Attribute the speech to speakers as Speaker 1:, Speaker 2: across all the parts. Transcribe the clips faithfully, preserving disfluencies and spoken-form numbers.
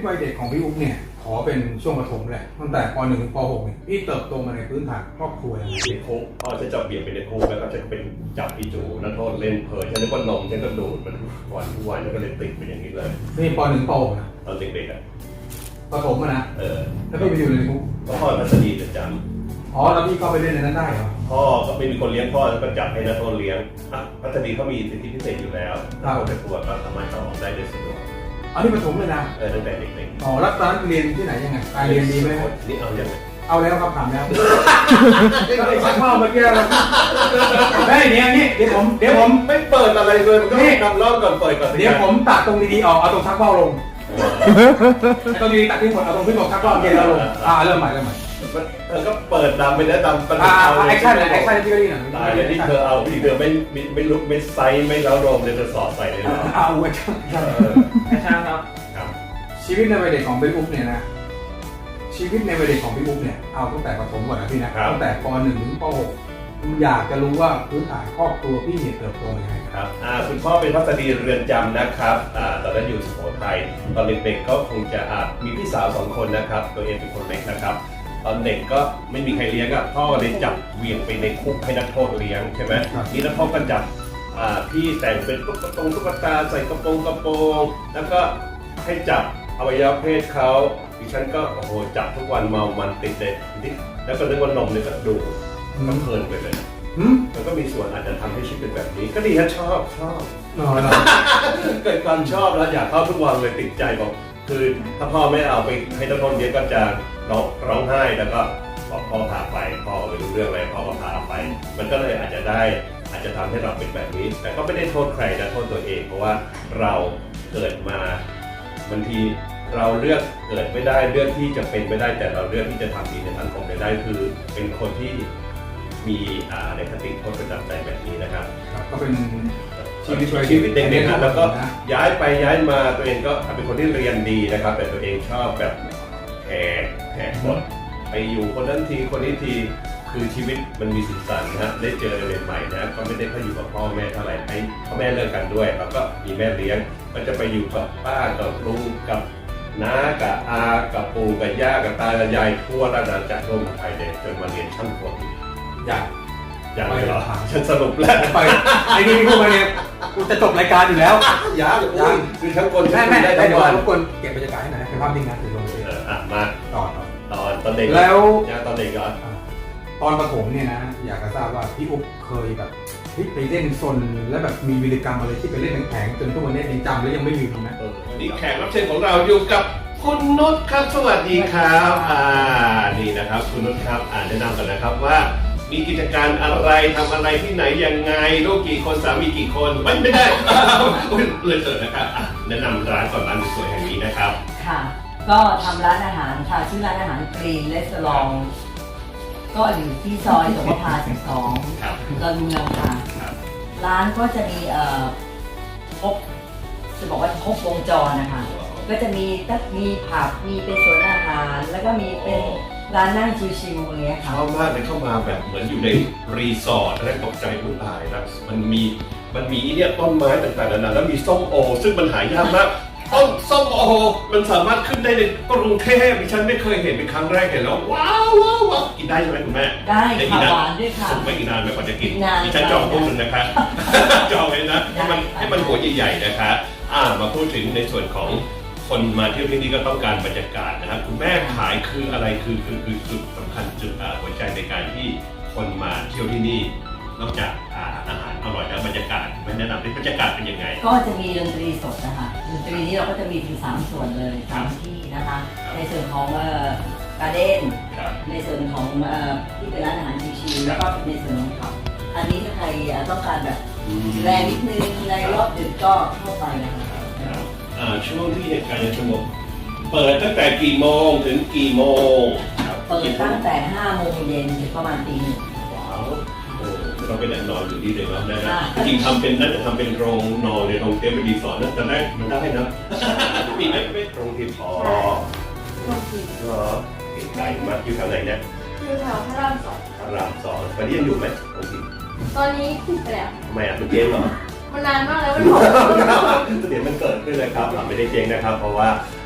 Speaker 1: วัยเด็กของพี่อุ๊บเนี่ยขอเป็นช่วงประถมแหละตั้งแต่ป หนึ่ง ถึงป หก เนี่ยพี่เติบโตมาในพื้นฐานครอบครัวยังไง
Speaker 2: ในคุกพ่อจะจับเบี่ยงไปในคุกแล้วก็จะเป็นจับพี่จูนักโทษเล่นเพลินฉันนึกว่านมฉันก็ดูดมันวันทุกวันแล้วก็เลยติดไปอย่างนี้เลย
Speaker 1: นี่ป หนึ่ง ป หก นะ
Speaker 2: ตอนเด็กๆอ่ะ
Speaker 1: ประถมอะนะ
Speaker 2: เออ
Speaker 1: แล้วพี่ไปอยู่ในคุก
Speaker 2: ก็พ่อพัสดีจะจ
Speaker 1: ำอ๋อแล้วพี่ก็ไปเล่นในนั้นได้เหรอ
Speaker 2: พ่อก็ไม่มีคนเลี้ยงพ่อแล้วก็จับให้นักโทษเลี้ยงอ่ะพัสดีเขามีสิทธิพิเศษอยู่แล้วถ้าคนเป็นตัวก็สามารถเข้าออกได้โดยสะดวก
Speaker 1: อันนี้ประถมเลยนะ
Speaker 2: เออตั้งแต่เด็ก
Speaker 1: ๆอ๋อแล้วตอนนั้นเรียนที่ไหนยังไงการเรียนดีไหม
Speaker 2: นี่เอาอย่างไร
Speaker 1: เอาแล้วครับถามแล้วไอ้ชักพ่อเมื่อกี้เราได้เนี่ยนี่เดี๋ยวผมเดี๋ยวผม
Speaker 2: ไม่เปิดอะไรเลยมันก็นำรอบก่อนเปิดก่อน
Speaker 1: เดี๋ยวผมตัดตรงดีๆออกเอาตรงชักเบ้าลงตรงดีตัดที่หมดเอาตรงที่หมดชักเบ้าเย็นแล้วลงอ่าเริ่มใหม่เริ่มใหม่
Speaker 2: เธอก็เปิดดำไปแล้วดำ
Speaker 1: เป็นเอาแอคชั่นเลยแอคชั่นที่ก็ดีหน่อย
Speaker 2: ตายเลยที่เธอเอาที่เธอไม่ไม่ลุกไม่ไซส์ไม่เล้าโรมเลยเธอสอดใส่เลยนะ
Speaker 1: เอาแอคชั่นแอคชั่นครับชีวิตในวัยเด็กของพี่อุ๊บเนี่ยนะชีวิตในวัยเด็กของพี่อุ๊บเนี่ยเอาตั้งแต่ประถมก่อนนะพี่นะตั้งแต่ป หนึ่ง ถึงป หก อยากจะรู้ว่าพื้นฐานครอบครัวพี่เนี่ยเติบโตยังไง
Speaker 2: ครับอ่าคุณพ่อเป็นพัสดีเรือนจำนะครับอ่าตอนนั้นอยู่สุโขทัยตอนเด็กๆก็คงจะอ่ามีพี่สาวสองคนนะครับตัวเองเป็นคนเล็กนะครับตอนเด็กก็ไม่มีใครเลี้ยงอ่ะพ่อเลยจับเวียงไปในคุกให้นักโทษเลี้ยงใช่ไหมนี่นักโทษก็จับอ่าพี่แต่งเป็นตุ๊กตาตุ๊กตาใส่กระโปรงกระโปรงแล้วก็ให้จับอวัยวะเพศเขาดิฉันก็โอ้โหจับทุกวันเมามันติดเลยแล้วก็นึกว่านมเนี่ยก็ดูมันเพลินไปเลยมันก็มีส่วนอาจจะทำให้ชีวิตเป็นแบบนี้ก็ดีฮะชอบชอบเกิดความชอบแล้วอยากเข้าทุกวันเลยติดใจบอกคือถ้าพ่อไม่เอาไปให้นักโทษเลี้ยงก็จะร้องร้องไห้แล้วก็บอกพ่อพาไปพ่อไม่รู้เรื่องอะไรพ่อก็พาไปมันก็เลยอาจจะได้อาจจะทำให้เราเป็นแบบนี้แต่ก็ไม่ได้โทษใครนะโทษตัวเองเพราะว่าเราเกิดมาบางทีเราเลือกเกิดไม่ได้เลือกที่จะเป็นไม่ได้แต่เราเลือกที่จะทำดีในสังคมได้คือเป็นคนที่มีในคติพจน์ประจำใจแบบนี้นะครับ
Speaker 1: ก็เป็นชีวิต
Speaker 2: ชีวิตเด็กๆนะแล้วก็ย้ายไปย้ายมาตัวเองก็เป็นคนที่เรียนดีนะครับแต่ตัวเองชอบแบบแหกแหกกฎไปอยู่คนนั้นทีคนนี้ทีคือชีวิตมันมีสีสันนะฮะได้เจออะไรใหม่ๆนะก็ไม่ได้ค่อยอยู่กับพ่อแม่เท่าไหร่ให้พ่อแม่เลิกกันด้วยแล้วก็มีแม่เลี้ยงก็จะไปอยู่กับป้ากับลุงกับน้ากับอากับปู่กับย่ากับตากับยายทั่วราชอาณาจักรทั่วเมืองไทยเลยจนมาเรียนช่างกล
Speaker 1: อยาก
Speaker 2: อยากไปเหรอฉันสรุปแล้ว
Speaker 1: ไปไอ้นี่พูดมาเนี่ยกูจะจบรายการอยู่แล้ว
Speaker 2: อยากยังคือช่างกล
Speaker 1: แม่แม่ได้ทุกวันทุกคนเก็บบรรยากาศให้หน่อยเป็นภาพนิ่งนะถือลงเลย
Speaker 2: อ่ะมา
Speaker 1: ตอน
Speaker 2: ตอนตอนเด็ก
Speaker 1: แล้ว
Speaker 2: ตอนเด็กก่อน
Speaker 1: ตอนประถมเนี่ยนะอยากจะทราบว่าพี่อุ๊บเคยแบบไปเล่นซนแล้วแบบมีวีรกรรมอะไรที่ไปเล่นแข็งๆจนทุกวันนี้ยังจำแล้วยังไม่ลืมนะ
Speaker 2: นี่แขกรับเชิญของเราอยู่กับคุณนุชครับสวัสดีครับอ่านี่นะครับคุณนุชครับอ่านแนะนำกันนะครับว่ามีกิจการอะไรทำอะไรที่ไหนยังไงลูกกี่คนสามีกี่คนไม่ไม่ได้เลยเถิดนะครับแนะนำร้านก่อนร้านสวยแห่งนี้นะครับ
Speaker 3: ค่ะก็ทำร้านอาหารค่ะชื่อร้านอาหารกรีนเรสตอรองก็อยู่ที่ซอยสมภารสิบสองดอนเมืองค่ะร้านก็จะมีเอ่อครบจะบอกว่าครบวงจรนะคะก็จะมีตั้งมีผับมีเป็นสวนอาหารแล้วก็มีเป็นร้านนั่งชิวๆอย่างเงี้ยค่ะ
Speaker 2: ชอบมากเลยเข้ามาแบบเหมือนอยู่ในรีสอร์ทแล้วตกใจผู้ตายนะมันมีมันมีเนี่ยต้นไม้ต่างๆนานาแล้วมีส้มโอซึ่งมันหายากมากต้นส้มโอมันสามารถขึ้นได้ในกรุงเทพดิฉันไม่เคยเห็นเป็นครั้งแรกเห็นแล้วว้าวว้าวว้าวกินได้ใช่ไหมคุณแม่
Speaker 3: ได้ค่ะหวานด้วยค่ะ
Speaker 2: ไม่กินนานไม่กว่าจะกินดิฉันจองพวกนึงนะคะจองเลยนะให้มันให้มันหัวใหญ่ๆนะคะอ่ามาพูดถึงในส่วนของคนมาเที่ยวที่นี่ก็ต้องการบรรยากาศนะครับคุณแม่ขายคืออะไรคือคือคือจุดสำคัญจุดหัวใจในการที่คนมาเที่ยวที่นี่นอกจากอาหารอร่อยแล้วบรรยากาศไม่แนะนำที่บรรยากาศเป็นยังไง
Speaker 3: ก็จะมีดนตรีสดนะคะดนตรีนี้เราก็จะมีถึงสามส่วนเลยสามที่นะคะในส่วนของการเด้นในส่วนของที่เป็นร้านอาหารชิวๆแล้วก็ในส่วนของผับอันนี้ถ้าใครต้องการแบบแรงนิดนึงในรอบดึกก็เข้าไปนะคะ
Speaker 2: ช่วงที่เหตุการณ์ยังสงบเปิดตั้งแต่กี่โมงถึงกี่โมง
Speaker 3: เปิดตั้งแต่ห้าโมงเย็นถึงประมาณตีหนึ่ง
Speaker 2: ว้าวโอ้เราไปนั่งนอนอยู่ที่เดิมแล้วนะจริงทำเป็นน่าจะทำเป็นโรงนอนในโรงเตียงเป็นรีสอร์ทนั่นแต่แรกมันได้นะมีไหมไม่โรงทีมพอ
Speaker 4: โรงทีม
Speaker 2: เหรอไกลมากอยู่แถวไหนเนี่ย
Speaker 4: อยู่แถวพระรามสอง
Speaker 2: พระรามสองตอนนี้ยังอยู่ไหมโรงทีม
Speaker 4: ตอนนี้ปิดไปแล้ว
Speaker 2: ทำไมอ่ะมันเจ๊งเหรอ
Speaker 4: มันนานมากแล้วมันหอม
Speaker 2: เดี๋ยวมันเกิดขึ้นเลยครับไม่ได้เจ๊งนะครับเพราะว่า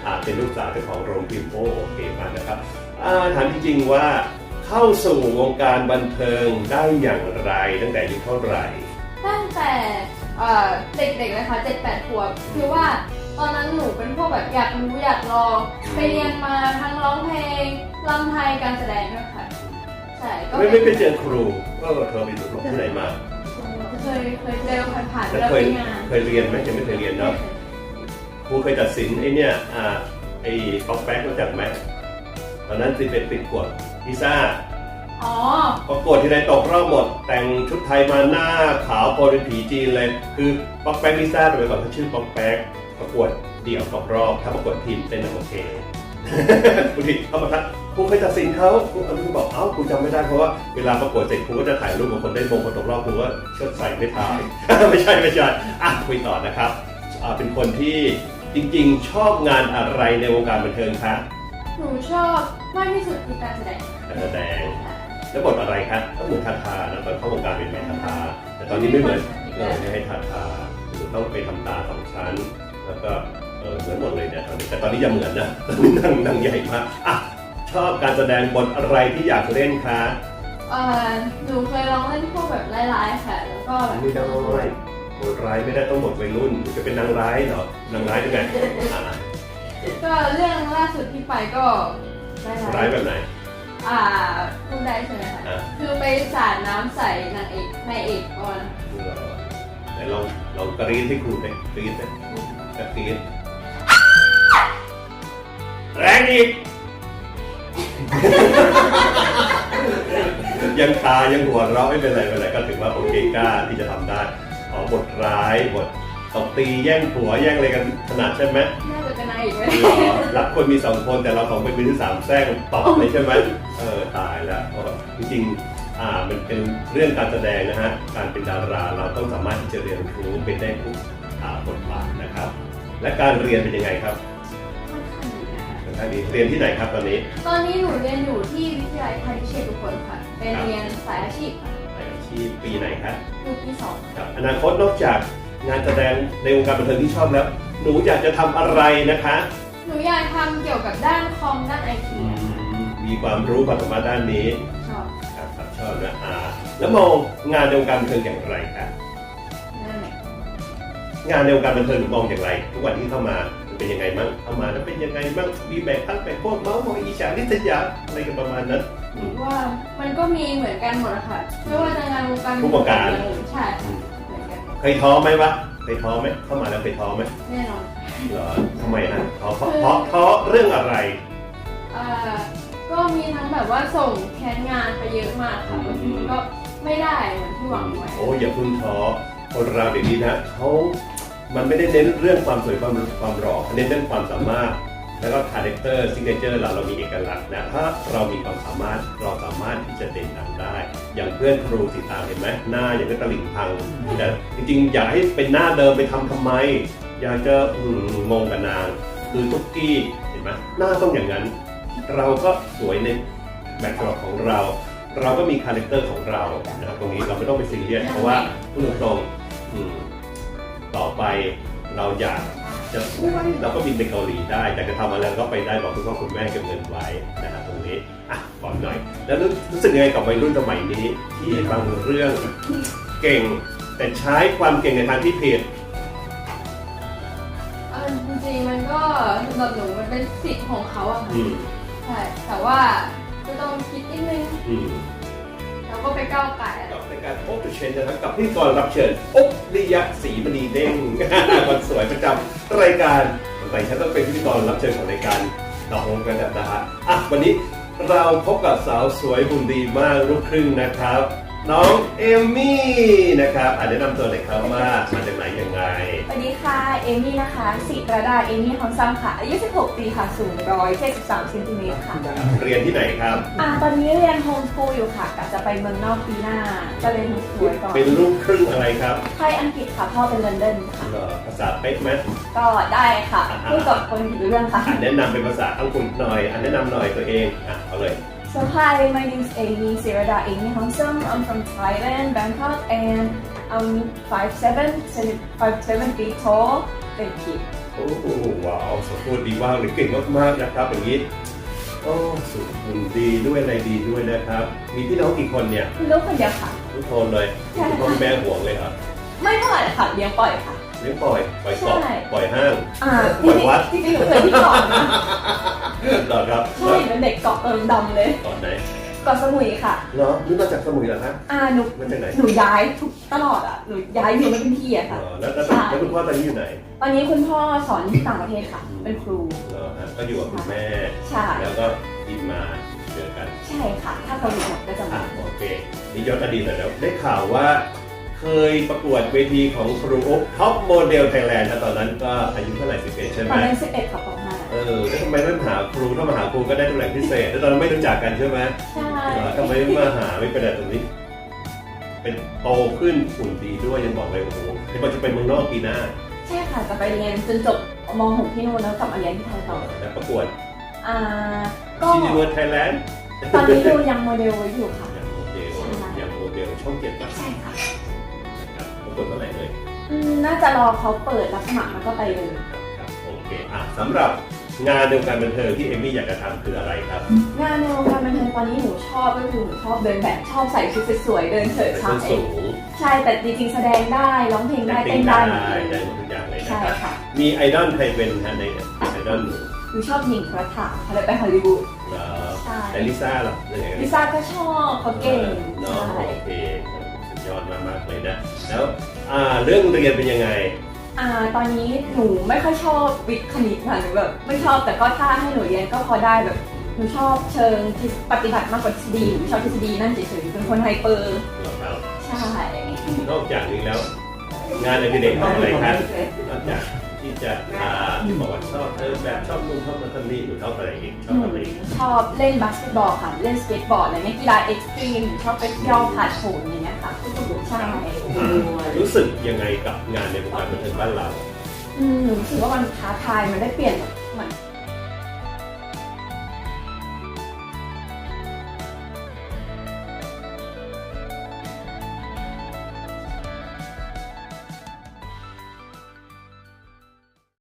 Speaker 2: อ่าเป็นลูกสาวเจ้าของโรงพิมพ์โอ้โอเคมากนะครับอ่าถามจริงๆว่าเข้าสู่วงการบันเทิงได้อย่างไรตั้งแต่อายุเท่าไหร่
Speaker 4: ตั้งแต่เอ่อเด็กๆเลยค่ะเจ็ดแปดขวบคือว่าตอนนั้นหนูเป็นพวกแบบอยากรู้อยากลองไปเรียนมาทั้งร้องเพลงรำไทยการแสดงด้วยค่ะใช่ก็
Speaker 2: ไม่ไม่ไปเจอครูก็เธอไปดูที่ไหนมา
Speaker 4: เคยเคยเจอผ่านๆ
Speaker 2: แล้ว
Speaker 4: แล้ว
Speaker 2: เคย
Speaker 4: ไปงาน
Speaker 2: เคยเรียนไหมยังไม่เคยเรียนเนาะครูเคยตัดสินไอ้เนี่ยอ่าไอ้ป๊อกแป๊กรู้จักไหมตอนนั้นสิเป็นติดกวดพิซซ่า
Speaker 4: อ๋อ
Speaker 2: ประกวดที่ไรตกรอบหมด แต่งชุดไทยมาหน้าขาวโปรเป็นผีจีนเลย คือป๊อกแป๊กลิซ่าโดยก่อนเขาชื่อป๊อกแป๊กประกวดเดี่ยวตกรอบถ้าประกวดทีมเป็นโอเค บางทีเขามาทักครูเคยตัดสินเขาครูอนุบอกเอ้าครูจำไม่ได้เพราะว่าเวลาประกวดเสร็จครูก็จะถ่ายรูปกับคนได้มงคนตกรอบครูก็เชิดใส่ไม่ถ่าย ไม่ใช่ไม่ใช่อ่ะคุยต่อนะครับอ่าเป็นคนที่จริงๆ ชอบงานอะไรในวงการบันเทิงคะ
Speaker 4: หนูชอบมากที่สุดคือการแสดง
Speaker 2: การแสดงแล้วบทอะไรครับก็เหมือนทาทานะตอนเข้าวงการเป็นแม่ทาทาแต่ตอนนี้ไม่เหมือนเออไม่ให้ทาทาหรือต้องไปทำตาสองชั้นแล้วก็เออเหมือนหมดเลยเนี่ยตอนนี้แต่ตอนนี้ยังเหมือนนะ นั่งนั่งใหญ่มากอ่ะชอบการแสดงบทอะไรที่อยากเล่นคะ
Speaker 4: เอ่อหนูเคยลองเล่นพวกแบบร้ายๆค่ะ แล้วก็แบบ
Speaker 2: ไม่ได้บทร้ายไม่ได้ต้องบทวัยรุ่นจะเป็นนางร้ายเหรอนางร้ายยังไงอ่ะ
Speaker 4: ก็เรื่องล่าสุดที่ไปก็ร้ายๆ
Speaker 2: ร้ายแบบไหน
Speaker 4: อ่าพูดได้ใช่ไหมคะ
Speaker 2: อ่ะ
Speaker 4: คือไปสาดน้ำใส่นางเอกนายเอกก่อน
Speaker 2: แต่ลองลองกรี๊ดให้ครูไปกรี๊ดนะกรี๊ดแรงอีก ยังตายังหัวเราะไม่เป็นไรไม่เป็นไรก็ถือว่าโอเคกล้าที่จะทำได้อ๋อบทร้ายบทตบตีแย่งผัวแย่งอะไรกันขนาดใช่ไหม
Speaker 4: น่าจะเป็นนายเอกไหม
Speaker 2: รับคนมีสองคนแต่เราสองเป็นมือที่สามแทรกตอบเลยใช่ไหมเออตายแล้วจริงๆอ่ามันเป็นเรื่องการแสดงนะฮะการเป็นดาราเราต้องสามารถที่จะเรียนรู้เป็นได้ทุกอ่าบทบาทนะครับ และการเรียนเป็นยังไงครับ
Speaker 4: ค่อนข้างดีนะคะ
Speaker 2: ท่านนี้เรียนที่ไหนครับตอนนี้
Speaker 4: ตอนนี้หนูเรียนอยู่ที่วิทยาลัยพาณิชย์ทุกคนค่ะ เป็นเรียนสายอาชีพค่ะ
Speaker 2: อาชีพปีไหนครับ
Speaker 4: อยู่ปีสอง
Speaker 2: ครับอนาคตนอกจากงานแสดงในวงการบันเทิงที่ชอบแล้ว หนูอยากจะทำอะไรนะคะ
Speaker 4: หนูอยากทำเกี่ยวกับด้านคอมด้านไอที
Speaker 2: มีความรู้ความสามารถด้านนี้
Speaker 4: ชอบ
Speaker 2: ครับครับชอบนะอ่าแล้วมองงานในวงการบันเทิงอย่างไรครับ
Speaker 4: นั่นแหละ
Speaker 2: งานในวงการบันเทิงหนูมองอย่างไร ทุกวันที่เข้ามามันเป็นยังไงบ้างเข้ามาแล้วเป็นยังไงบ้างมีแบ่งพักแบ่งพวกเมาส์มอยอีฉาลิษยาอะไรกันประมาณนั้น
Speaker 4: หนูว่ามันก็มีเหมือนกันหมดอะค่ะไม่ว่าจะงานวงการ
Speaker 2: ทุกวงการ
Speaker 4: ใช่เหมือนกัน
Speaker 2: เคยท้อไหมวะเคยท้อไหมเข้ามาแล้วเคยท้อไหม
Speaker 4: แน่นอน
Speaker 2: เหรอทำไมนะท้อเพราะเพราะท้อเรื่องอะไร
Speaker 4: อ่าก็มีทั้งแบบว่าส่งแคสงานไปเยอะมากค่ะบางทีมันก็ไม่ได้เหมือนที่หวังไว้
Speaker 2: โอ้อย่าพึ่งท้อคนเราเดี๋ยวนี้นะเขามันไม่ได้เน้นเรื่องความสวยความความหล่อเน้นเรื่องความสามารถ แล้วก็คาแรคเตอร์ซิกเนเจอร์เราเรามีเอกลักษณ์นะถ้าเรามีความสามารถเราสามารถที่จะเด่นดังได้ อย่างเพื่อนครูสิตางเห็นไหมหน้าอย่างกับตลิ่งพังแต่จริงๆ อยากให้เป็นหน้าเดิมไปทำทำไม อยากจะอืมงงกับนางคือตุ๊กกี้เห็นไหมหน้าต้องอย่างนั้น เราก็สวยในแบบฉบับของเรา เราก็มีคาแรคเตอร์ของเรานะครับตรงนี้เราไม่ต้องไปซีเรียสเพราะว่าพูดตรงๆอืมต่อไปเราอยากจะสวยเราก็บินไปเกาหลีได้แต่จะทำอะไรก็ไปได้บอกคุณพ่อคุณแม่เก็บเงินไว้นะครับตรงนี้อ่ะก่อนหน่อย แล้วรู้รู้สึกยังไงกับวัยรุ่นสมัยนี้ ที่บางเรื่องเก่ง แต่ใช้ความเก่งในทางที่ผิด
Speaker 4: เออจริงๆมันก็สำหรับหนูมันเป็นสิทธิ์ของเขาอะค่ะ
Speaker 2: อืม
Speaker 4: ใช่แต่ว่าก็ต้องคิดนิดนึง
Speaker 2: อืม
Speaker 4: แล้วก็ไปก้าวไก่อะไร
Speaker 2: กับในการโอเปอเรชั่นนะครับกับพิธีกรรับเชิญอุ๊บลิยะศรีมณีเด้ง คนสวยประจำรายการสงสัยฉันต้องเป็นพิธีกรรับเชิญของรายการดอกลงกันนะฮะอ่ะวันนี้เราพบกับสาวสวยหุ่นดีมากลูกครึ่งนะครับ น้องเอมมี่นะครับอ่ะแนะนำตัวหน่อยครับว่ามาจากไหนยังไง
Speaker 5: สวัสดีค่ะ เอมี่นะคะศิรดา เอมี่ฮอนซัมค่ะ อายุ สิบหก ปีค่ะ สูง หนึ่งร้อยเจ็ดสิบสาม เซนติเมตรค่ะ
Speaker 2: เรียนที่ไหนครับ
Speaker 5: อ่า ตอนนี้เรียนโฮมสคูลอยู่ค่ะกะจะไปเมืองนอกปีหน้า จะเรียนโฮมสคูลไว้ก่อน
Speaker 2: เป็นลูกครึ่งอะไรครับ
Speaker 5: ไทยอังกฤษค่ะ พ่อเป็นลอนดอนค่ะ
Speaker 2: เหรอภาษาเป๊ะไหม
Speaker 5: ก็ได้ค่ะพูดกับคนผิดเรื่องค่ะ
Speaker 2: อ่ะแนะนำเป็นภาษาอังกฤษหน่อยอ่ะแนะนำหน่อยตัวเองอ่ะเอาเลย
Speaker 5: So hi, my name is Amy Sirada Amy Honsam. I'm from Thailand, Bangkok, and I'm five seven, five seven feet tall. Thank you.
Speaker 2: โอ้โหว้าวสมบูรณ์ดีมากเลยเก่งมากๆนะครับอย่างนี้โอ้สุขบุญดีด้วยอะไรดีด้วยนะครับ มีพี่น้องกี่คนเนี่ย
Speaker 5: ลูกคนเดียวค่ะ
Speaker 2: ทุกคนเลยคุณพ่อแม่ห่วงเลยครับ
Speaker 5: ไม่เท่าไหร่ค่ะเลี้ยงปล่อยค่ะ
Speaker 2: เลี้ยงปล่อยปล่อยกบ
Speaker 5: ใช่
Speaker 2: ปล่อยห้าง
Speaker 5: อ่า
Speaker 2: ปล่อยวัด
Speaker 5: จริงๆจริงๆหนูเคยที่เกาะนะ
Speaker 2: เหรอครับ
Speaker 5: ใช่เป็นเด็กเกาะเอิมดำเลย
Speaker 2: ตอนไหน
Speaker 5: เกาะสมุยค่ะ
Speaker 2: เหรอนี่มาจากสมุยเหรอครับ
Speaker 5: อ่าหนู
Speaker 2: มาจากไหน
Speaker 5: หนูย้ายทุกตลอดอ่ะหนูย้ายอยู่ไม่เป็นที่อะ
Speaker 2: เหร
Speaker 5: ค่ะ
Speaker 2: อแล้วแล้วแล้วคุณพ่อตอนนี้อยู่ไหน
Speaker 5: ตอนนี้คุณพ่อสอนที่ต่างประเทศค่ะ เป็นครู
Speaker 2: เหรอฮะก็อยู่กับคุณแม่
Speaker 5: ใช่
Speaker 2: แล้วก็บินมาเจอกัน
Speaker 5: ใช่ค่ะ ถ้าเขาอยู่หมดก็จะ
Speaker 2: อ่ะ
Speaker 5: มา
Speaker 2: โอเคนี่ย้อนอดีตหน่อยแล้วได้ข่าวว่า เคยประกวดเวทีของครูอุ๊บท็อปโมเดลไทยแลนด์นะตอนนั้นก็อายุเท่าไหร่สิบเอ็ดใช่ไห
Speaker 5: ต
Speaker 2: ม
Speaker 5: อนนั้นสิบเอ็ดค่ะปห้า
Speaker 2: เออแล้วทำไมไม่มาหาครูถ้ามาหาครูก็ได้ตำแหน่งพิเศษแล้วตอนนั้นไม่รู้จักกันใช่ไหม
Speaker 5: ใช่
Speaker 2: เหรอทำไมไม่มาหาไม่เป็นไรตรงนี้ เป็นโตขึ้นหุ่นดีด้วยยังบอกเลยโอ้โหเดี๋ยวบอกจะไปเมืองนอกปีหน้า
Speaker 5: ใช่ค่ะจะไปเรียนจนจบม หก ที่นู่นแล้วกลับมาเรียนที่ไทยต่อ
Speaker 2: แล้วประกวด
Speaker 5: อ่าก็
Speaker 2: ชีนิเวิร์ดไทยแลนด์
Speaker 5: ตอนนี้ดูยังโมเดลไว้อยู่ค่ะ
Speaker 2: อย่างโมเดลอย่างโมเดลช่องเจ็ดป่ะ
Speaker 5: ใช่ค่ะ
Speaker 2: ครับประกวดเมื่อไหร่เลย
Speaker 5: อืมน่าจะรอเขาเปิดรับสมัครแล้วก็ไปเลย
Speaker 2: ครับครับโอเคอ่ะสำหรับงานในวงการบันเทิงที่เอมี่อยากจะทำคืออะไรครับ
Speaker 5: งานในวงการบันเทิงตอนนี้หนูชอบก็คือหนูชอบเดินแบบชอบใส่ชุดสวยๆเดินเฉิด
Speaker 2: เป็น
Speaker 5: ฉา
Speaker 2: ส้
Speaker 5: ย
Speaker 2: นสูง
Speaker 5: ใช่แต่จริงๆแสดงได้ร้องเพลงได้
Speaker 2: แต่
Speaker 5: เต้นได้หมดเลย
Speaker 2: ได้หมดทุกอย่างเลยนะ
Speaker 5: ใช่
Speaker 2: ครับ
Speaker 5: ค่ะ
Speaker 2: มีไอดอลใครเป็นฮะในไอดอลหนู
Speaker 5: หนูชอบหญิงกระถางเขาเลยไปฮอลลีวูด
Speaker 2: เหรอ
Speaker 5: ใช่
Speaker 2: แต่ลิซ่าล่ะเป็นยังไง
Speaker 5: ลิซ่าก็ชอบเขาเก่ง
Speaker 2: เนาะ
Speaker 5: ใช่
Speaker 2: โอเคสุดยอดมากๆเลยนะแล้วอ่าเรื่องเรียนเป็นยังไง
Speaker 5: อ่าตอนนี้หนูไม่ค่อยชอบวิทย์คณิตค่ะหนูแบบไม่ชอบแต่ก็ถ้าให้หนูเรียนก็พอได้แบบหนูชอบเชิงที่ปฏิบัติมากกว่าทฤษฎีหนูชอบทฤษฎีนั่นเฉยๆเป็นคนไฮเปอร์
Speaker 2: เหรอครับ
Speaker 5: ใช่
Speaker 2: นอกจากนี้แล้ว งานอดิเรกทำอะไรครับนอกจากที่จะอ่าที่บอกว่าชอบเออแบบชอบนู่นชอบนั่นชอบนี่หรือชอบอะไรอีกชอบ
Speaker 5: หนู
Speaker 2: ทำอะไรอีก
Speaker 5: ชอบเล่นบาสเกตบอลค่ะ เล่นสเก็ตบอร์ดอะไรเงี้ยกีฬาเอ็กซ์ตรีมชอบไปย่อผาดโผนอย่างเงี้ยค่ะใช่
Speaker 2: รู้สึกยังไงกับงานในวงการบันเทิงบ้านเรา
Speaker 5: อืมหนูรู้สึกว่ามันท้าทายมันได้เปลี่ยนแบบเหมือน